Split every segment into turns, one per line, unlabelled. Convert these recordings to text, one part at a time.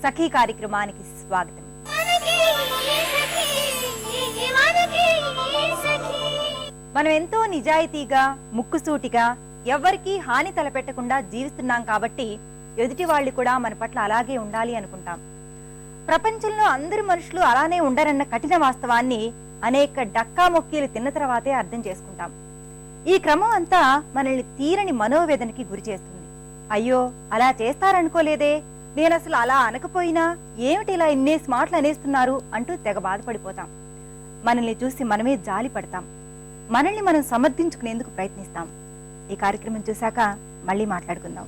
సఖీ కార్యక్రమానికి స్వాగతం. మనం ఎంతో నిజాయితీగా, ముక్కుసూటిగా, ఎవ్వరికీ హాని తలపెట్టకుండా జీవిస్తున్నాం కాబట్టి ఎదుటి వాళ్ళు కూడా మన పట్ల అలాగే ఉండాలి అనుకుంటాం. ప్రపంచంలో అందరు మనుషులు అలానే ఉండరన్న కఠిన వాస్తవాన్ని అనేక డక్కా మొక్కీలు తిన్న తర్వాతే అర్థం చేసుకుంటాం. ఈ క్రమం అంతా మనల్ని తీరని మనోవేదనకి గురి చేస్తుంది. అయ్యో, అలా చేస్తారనుకోలేదే, నేనసలు అలా అనకపోయినా ఏమిటి ఇలా ఇన్నేసి మాటలు అనేస్తున్నారు అంటూ తెగ బాధపడిపోతాం. మనల్ని చూసి మనమే జాలి పడతాం. మనల్ని మనం సమర్థించుకునేందుకు ప్రయత్నిస్తాం. ఈ కార్యక్రమం చూశాక మళ్ళీ మాట్లాడుకుందాం.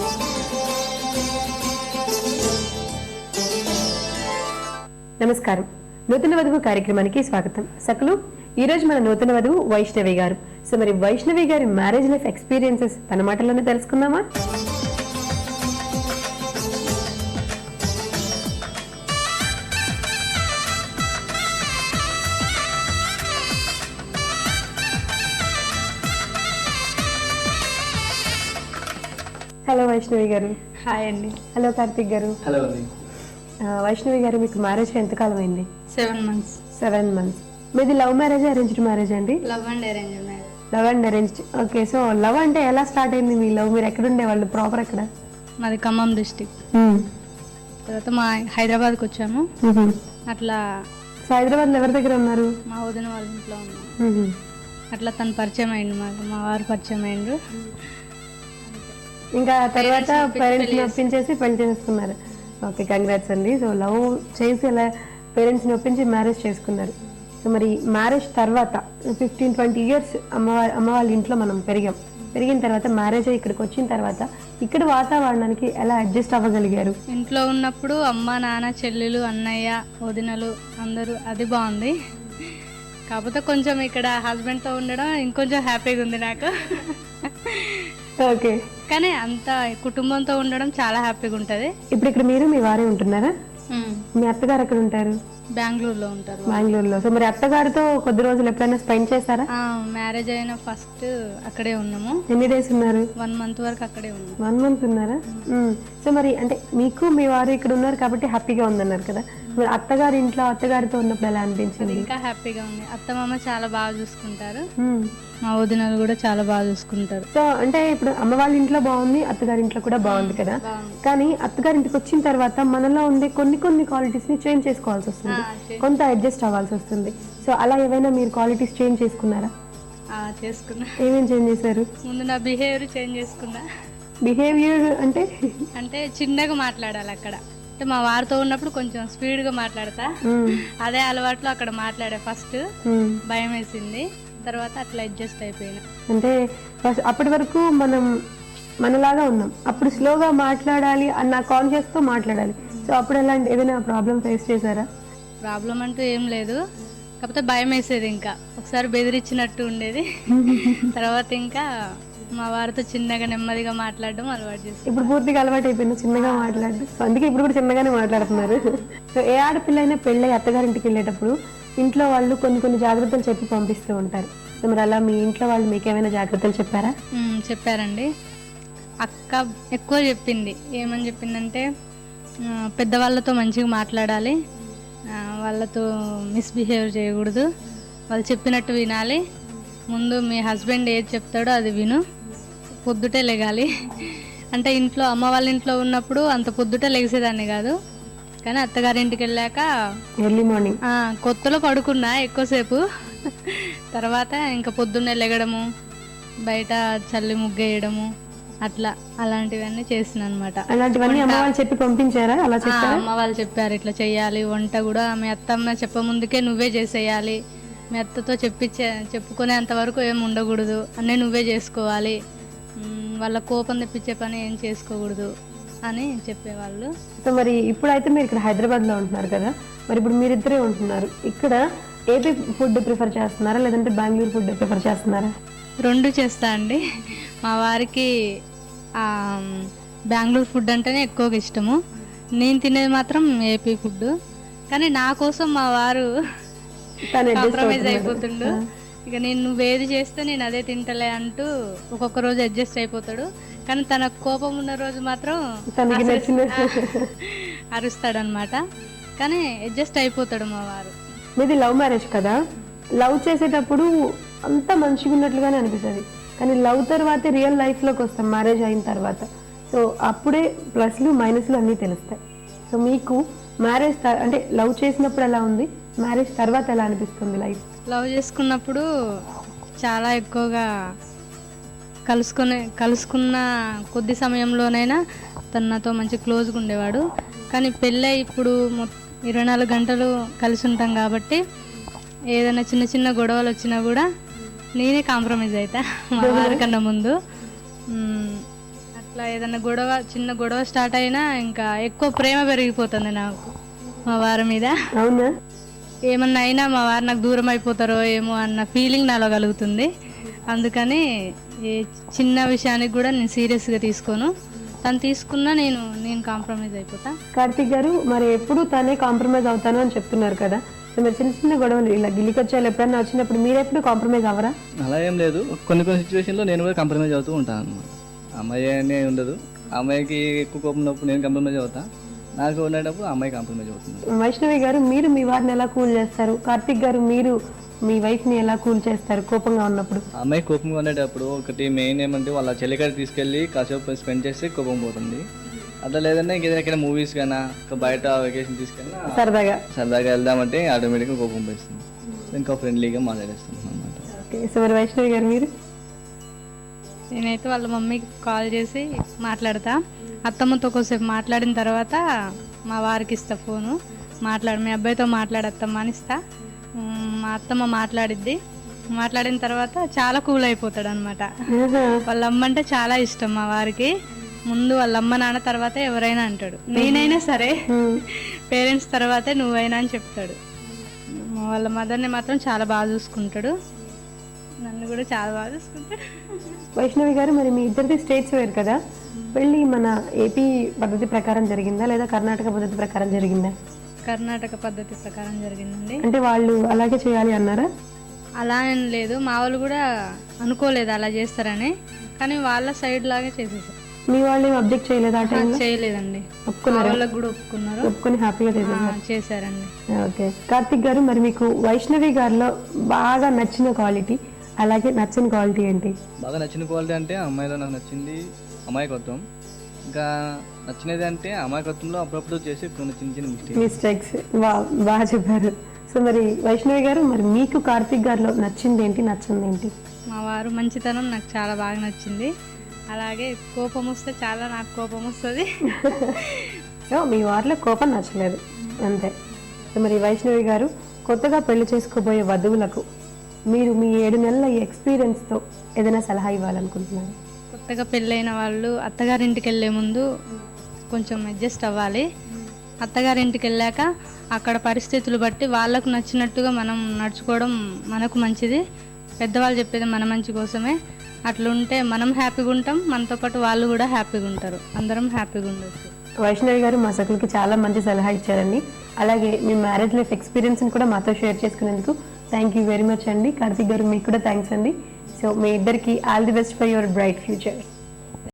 నమస్కారం. నూతన వధువు కార్యక్రమానికి స్వాగతం. సకులు, ఈ రోజు మన నూతన వధువు వైష్ణవి గారు. సో మరి వైష్ణవి గారి మ్యారేజ్ లైఫ్ ఎక్స్పీరియన్సెస్ తన మాటల్లోనే తెలుసుకుందామా? హలో వైష్ణవి గారు.
హాయ్ అండి.
హలో కార్తిక్ గారు.
హలో అండి.
వైష్ణవి గారు, మీకు మ్యారేజ్ ఎంతకాలం అయింది?
7 months.
7 months. మీది లవ్ మ్యారేజ్, అరేంజ్డ్ మ్యారేజ్ అండి?
Love and arrange marriage.
Love and arranged. Okay. So love అంటే ఎలా స్టార్ట్ అయింది మీ లవ్? మీరు ఎక్కడ ఉండేవాళ్ళు? ప్రాపర్ ఎక్కడ?
మాది ఖమ్మం డిస్టిక్. తర్వాత మా హైదరాబాద్కి వచ్చాము. అట్లా
హైదరాబాద్ లో ఎవరి దగ్గర ఉన్నారు?
మా వదిన వాళ్ళ ఇంట్లో ఉన్నాము. అట్లా తను పరిచయం అయింది, మా వారు పరిచయం అయ్యిండ్రు.
ఇంకా తర్వాత పేరెంట్స్ ని ఒప్పించేసి పెళ్లి చేసుకున్నారు. ఓకే, కంగ్రాట్స్ అండి. సో లవ్ చేసి అలా పేరెంట్స్ ని ఒప్పించి మ్యారేజ్ చేసుకున్నారు. సో మరి మ్యారేజ్ తర్వాత 15-20 years అమ్మ వాళ్ళ ఇంట్లో మనం పెరిగిన తర్వాత మ్యారేజ్ ఇక్కడికి వచ్చిన తర్వాత ఇక్కడ వాతావరణానికి ఎలా అడ్జస్ట్ అవ్వగలిగారు?
ఇంట్లో ఉన్నప్పుడు అమ్మ, నాన్న, చెల్లెలు, అన్నయ్య, వదినలు అందరూ, అది బాగుంది. కాకపోతే కొంచెం ఇక్కడ హస్బెండ్తో ఉండడం ఇంకొంచెం హ్యాపీగా ఉంది నాకు.
ఓకే.
కానీ అంత కుటుంబంతో ఉండడం చాలా హ్యాపీగా ఉంటుంది.
ఇప్పుడు ఇక్కడ మీరు మీ వారే ఉంటున్నారా? మీ అత్తగారు ఎక్కడ ఉంటారు?
బెంగళూరులో ఉంటారు.
బెంగళూరులో. సో మరి అత్తగారితో కొద్ది రోజులు ఎప్పుడైనా స్పెండ్ చేశారా?
మ్యారేజ్ అయిన ఫస్ట్ అక్కడే ఉన్నాము.
ఎన్ని డేస్ ఉన్నారు?
1 month వరకు అక్కడే ఉన్నాము.
1 month ఉన్నారా? సో మరి అంటే మీకు మీ వారు ఇక్కడ ఉన్నారు కాబట్టి హ్యాపీగా ఉందన్నారు కదా, మరి అత్తగారి ఇంట్లో అత్తగారితో ఉన్నప్పుడు ఎలా అనిపించింది?
ఇంకా హ్యాపీగా ఉంది. అత్తమామ చాలా బాగా చూసుకుంటారు, మా వదినలు కూడా చాలా బాగా చూసుకుంటారు.
సో అంటే ఇప్పుడు అమ్మ వాళ్ళ ఇంట్లో బాగుంది, అత్తగారి ఇంట్లో కూడా బాగుంది కదా, కానీ అత్తగారింటికి వచ్చిన తర్వాత మనలో ఉండే కొన్ని క్వాలిటీస్ ని చేంజ్ చేసుకోవాల్సి వస్తుంది, కొంత అడ్జస్ట్ అవ్వాల్సి వస్తుంది. సో అలా ఏమైనా మీరు క్వాలిటీస్ చేంజ్ చేసుకున్నారా?
చేసుకున్నా.
ఏమేమి చేంజ్ చేశారు?
ముందు నా బిహేవియర్ చేంజ్ చేసుకున్నా.
బిహేవియర్
అంటే చిన్నగా మాట్లాడాలి అక్కడ. అంటే మా వారితో ఉన్నప్పుడు కొంచెం స్పీడ్ గా మాట్లాడతా, అదే అలవాట్లో అక్కడ మాట్లాడే. ఫస్ట్ భయం వేసింది, తర్వాత అట్లా అడ్జస్ట్ అయిపోయినా.
అంటే అప్పటి వరకు మనం మనలాగా ఉన్నాం, అప్పుడు స్లోగా మాట్లాడాలి అన్న కాన్షియస్ తో మాట్లాడాలి. సో అప్పుడు ఎలాంటి ఏదైనా ప్రాబ్లం ఫేస్ చేశారా?
ప్రాబ్లం అంటూ ఏం లేదు, కాకపోతే భయం వేసేది. ఇంకా ఒకసారి బెదిరించినట్టు ఉండేది. తర్వాత ఇంకా మా వారితో చిన్నగా నెమ్మదిగా మాట్లాడడం అలవాటు చేసి
ఇప్పుడు పూర్తిగా అలవాటు అయిపోయింది చిన్నగా మాట్లాడడం. సో అందుకే ఇప్పుడు కూడా చిన్నగానే మాట్లాడుతున్నారు. సో ఏ ఆడపిల్ల అయినా పెళ్ళై అత్తగారింటికి వెళ్ళేటప్పుడు ఇంట్లో వాళ్ళు కొన్ని జాగ్రత్తలు చెప్పి పంపిస్తూ ఉంటారు. సో మరి అలా మీ ఇంట్లో వాళ్ళు మీకు ఏమైనా జాగ్రత్తలు చెప్పారా?
చెప్పారండి. అక్క ఎక్కువ చెప్పింది. ఏమని చెప్పిందంటే, పెద్దవాళ్ళతో మంచిగా మాట్లాడాలి, వాళ్ళతో మిస్బిహేవ్ చేయకూడదు, వాళ్ళు చెప్పినట్టు వినాలి, ముందు మీ హస్బెండ్ ఏది చెప్తాడో అది విను, పొద్దుటే లెగాలి. అంటే ఇంట్లో అమ్మ వాళ్ళ ఇంట్లో ఉన్నప్పుడు అంత పొద్దుటే లెగిసేదాన్ని కాదు, కానీ అత్తగారింటికి వెళ్ళాక
ఎర్లీ మార్నింగ్
కొత్తలో పడుకున్నా ఎక్కువసేపు. తర్వాత ఇంకా పొద్దున్నే లెగడము, బయట చల్లి ముగ్గేయడము, అట్లా అలాంటివన్నీ చేసిన అనమాట.
అలాంటివన్నీ అమ్మ వాళ్ళు చెప్పి పంపించారా? అలా చెప్పారా?
అమ్మ వాళ్ళు చెప్పారు ఇట్లా చెయ్యాలి, వంట కూడా మీ అత్తమ్మ చెప్పముందుకే నువ్వే చేసేయాలి, మీ అత్తతో చెప్పుకునేంత వరకు ఏం ఉండకూడదు, అన్నీ నువ్వే చేసుకోవాలి, వాళ్ళ కోపం తెప్పించే పని ఏం చేసుకోకూడదు అని చెప్పేవాళ్ళు.
సో మరి ఇప్పుడైతే మీరు ఇక్కడ హైదరాబాద్ లో ఉంటున్నారు కదా, మరి ఇప్పుడు మీరిద్దరే ఉంటున్నారు, ఇక్కడ ఏపీ ఫుడ్ ప్రిఫర్ చేస్తున్నారా లేదంటే బెంగళూరు ఫుడ్ ప్రిఫర్ చేస్తున్నారా?
2 చేస్తా అండి. మా వారికి బెంగళూరు ఫుడ్ అంటేనే ఎక్కువగా ఇష్టము, నేను తినేది మాత్రం ఏపీ ఫుడ్. కానీ నా కోసం మా వారు కాంప్రమైజ్ అయిపోతుండు. ఇక నేను నువ్వేది చేస్తే నేను అదే తింటలే అంటూ ఒక్కొక్క రోజు అడ్జస్ట్ అయిపోతాడు. కానీ తన కోపం ఉన్న రోజు మాత్రం అరుస్తాడనమాట. కానీ అడ్జస్ట్ అయిపోతాడు మా వారు.
మీది లవ్ మ్యారేజ్ కదా, లవ్ చేసేటప్పుడు అంతా మంచిగా ఉన్నట్లుగానే అనిపిస్తుంది, కానీ లవ్ తర్వాతే రియల్ లైఫ్లోకి వస్తాం మ్యారేజ్ అయిన తర్వాత. సో అప్పుడే ప్లస్లు మైనస్లు అన్నీ తెలుస్తాయి. సో మీకు మ్యారేజ్ అంటే లవ్ చేసినప్పుడు ఎలా ఉంది, మ్యారేజ్ తర్వాత ఎలా అనిపిస్తుంది లైఫ్?
లవ్ చేసుకున్నప్పుడు చాలా ఎక్కువగా కలుసుకున్న కొద్ది సమయంలోనైనా తను నాతో మంచి క్లోజ్గా ఉండేవాడు. కానీ పెళ్ళి ఇప్పుడు 24 గంటలు కలిసి ఉంటాం కాబట్టి ఏదైనా చిన్న చిన్న గొడవలు వచ్చినా కూడా నేనే కాంప్రమైజ్ అవుతా మా వారికన్నా ముందు. అట్లా ఏదైనా చిన్న గొడవ స్టార్ట్ అయినా ఇంకా ఎక్కువ ప్రేమ పెరిగిపోతుంది నాకు మా వారి మీద.
అవునా?
ఏమన్నా అయినా మా వారు నాకు దూరం అయిపోతారో ఏమో అన్న ఫీలింగ్ నాలో కలుగుతుంది. అందుకని ఏ చిన్న విషయానికి కూడా నేను సీరియస్గా తీసుకోను. తను తీసుకున్నా నేను కాంప్రమైజ్ అయిపోతా.
కార్తిక్ గారు, మరి ఎప్పుడు తనే కాంప్రమైజ్ అవుతాను అని చెప్తున్నారు కదా, సో మరి చిన్న చిన్న గొడవలు ఇలా గిల్లికొచ్చాలు ఎప్పుడన్నా వచ్చినప్పుడు మీరు ఎప్పుడు కాంప్రమైజ్ అవ్వరా?
అలా ఏం లేదు, కొన్ని సిచ్యువేషన్లో నేను కూడా కాంప్రమైజ్ అవుతూ ఉంటాను అనమాట. అమ్మాయి అనే ఉండదు, అమ్మాయికి ఎక్కువ కోపం ఉన్నప్పుడు నేను కాంప్రమైజ్ అవుతా, నాకు ఉండేటప్పుడు అమ్మాయి కాంప్రమైజ్ అవుతుంది.
వైష్ణవి గారు, మీరు మీ వారిని ఎలా కూల్ చేస్తారు? కార్తిక్ గారు, మీరు మీ వైఫ్ని ఎలా కూల్ చేస్తారు కోపంగా ఉన్నప్పుడు?
అమ్మాయి కోపంగా ఉండేటప్పుడు ఒకటి మెయిన్ ఏమంటే వాళ్ళ చెల్లికాడ తీసుకెళ్ళి కాసేపు స్పెండ్ చేస్తే కోపం పోతుంది. అట్లా లేదంటే ఇంకేదైనా మూవీస్ కానీ బయట వెకేషన్ తీసుకెళ్ళి సరదాగా వెళ్దామంటే ఆటోమేటిక్గా కోపం పోయిస్తుంది, ఇంకా ఫ్రెండ్లీగా మాట్లాడేస్తాం అనమాట.
ఓకే, సో మరి వైష్ణవి గారు మీరు?
నేనైతే వాళ్ళ మమ్మీకి కాల్ చేసి మాట్లాడతా. అత్తమ్మతో కొద్దిసేపు మాట్లాడిన తర్వాత మా వారికి ఇస్తా ఫోను. మీ అబ్బాయితో మాట్లాడత్తమ్మా అని ఇస్తా. మా అత్తమ్మ మాట్లాడిన తర్వాత చాలా కూల్ అయిపోతాడు అనమాట. వాళ్ళ అమ్మ అంటే చాలా ఇష్టం మా వారికి. ముందు వాళ్ళ అమ్మ నాన్న తర్వాతే ఎవరైనా అంటాడు. నేనైనా సరే పేరెంట్స్ తర్వాతే నువ్వైనా అని చెప్తాడు. వాళ్ళ మదర్ని మాత్రం చాలా బాగా చూసుకుంటాడు, నన్ను కూడా చాలా బాగా చూసుకుంటాడు.
వైష్ణవి గారు, మరి మీ ఇద్దరిది స్టేట్స్ వేరు కదా, పెళ్ళి మన ఏపీ పద్ధతి ప్రకారం జరిగిందా లేదా కర్ణాటక పద్ధతి ప్రకారం జరిగిందా?
కర్ణాటక పద్ధతి ప్రకారం జరిగిందండి.
అంటే వాళ్ళు అలాగే చేయాలి అన్నారా?
అలా ఏం లేదు, మా వాళ్ళు కూడా అనుకోలేదు అలా చేస్తారని, కానీ వాళ్ళ సైడ్ లాగే చేసేసారు.
మీ వాళ్ళు ఏం అబ్జెక్ట్ చేయలేదు? ఆ టైంలో
చేయలేదండి,
ఒప్పుకున్నారు,
వాళ్ళకి కూడా
ఒప్పుకొని హ్యాపీగా
చేశారండి.
ఓకే, కార్తిక్ గారు, మరి మీకు వైష్ణవి గారిలో బాగా నచ్చిన క్వాలిటీ, అలాగే నచ్చిన క్వాలిటీ ఏంటి?
బాగా నచ్చిన క్వాలిటీ అంటే అమ్మాయిలో నాకు నచ్చింది అమాయకత్వం. ఇంకా నచ్చినది అంటే అమాయకత్వంలో అప్పుడప్పుడు చేసి కొన్ని చిన్న
మిస్టేక్స్. బాగా చెప్పారు. సో మరి వైష్ణవి గారు, మరి మీకు కార్తిక్ గారిలో నచ్చింది ఏంటి, నచ్చింది ఏంటి?
మా వారు మంచితనం నాకు చాలా బాగా నచ్చింది. అలాగే కోపం వస్తే చాలా నాకు కోపం వస్తుంది.
సో మీ వారిలో కోపం నచ్చలేదు అంతే. సో మరి వైష్ణవి గారు, కొత్తగా పెళ్లి చేసుకోబోయే వధువులకు మీరు మీ 7 నెలల ఎక్స్పీరియన్స్తో ఏదైనా సలహా ఇవ్వాలనుకుంటున్నారు?
కొత్తగా పెళ్ళైన వాళ్ళు అత్తగారింటికి వెళ్ళే ముందు కొంచెం అడ్జస్ట్ అవ్వాలి. అత్తగారింటికి వెళ్ళాక అక్కడ పరిస్థితులు బట్టి వాళ్ళకు నచ్చినట్టుగా మనం నడుచుకోవడం మనకు మంచిది. పెద్దవాళ్ళు చెప్పేది మన మంచి కోసమే. అట్లుంటే మనం హ్యాపీగా ఉంటాం, మనతో పాటు వాళ్ళు కూడా హ్యాపీగా ఉంటారు, అందరం హ్యాపీగా ఉండొచ్చు.
వైష్ణవి గారు మా సకులకి చాలా మంచి సలహా ఇచ్చారండి. అలాగే మీ మ్యారేజ్ లైఫ్ ఎక్స్పీరియన్స్ని కూడా మాతో షేర్ చేసుకునేందుకు థ్యాంక్ యూ వెరీ మచ్ అండి. కార్తిక్ గారు, మీకు కూడా థ్యాంక్స్ అండి. సో మీ ఇద్దరికి all the best for your bright future.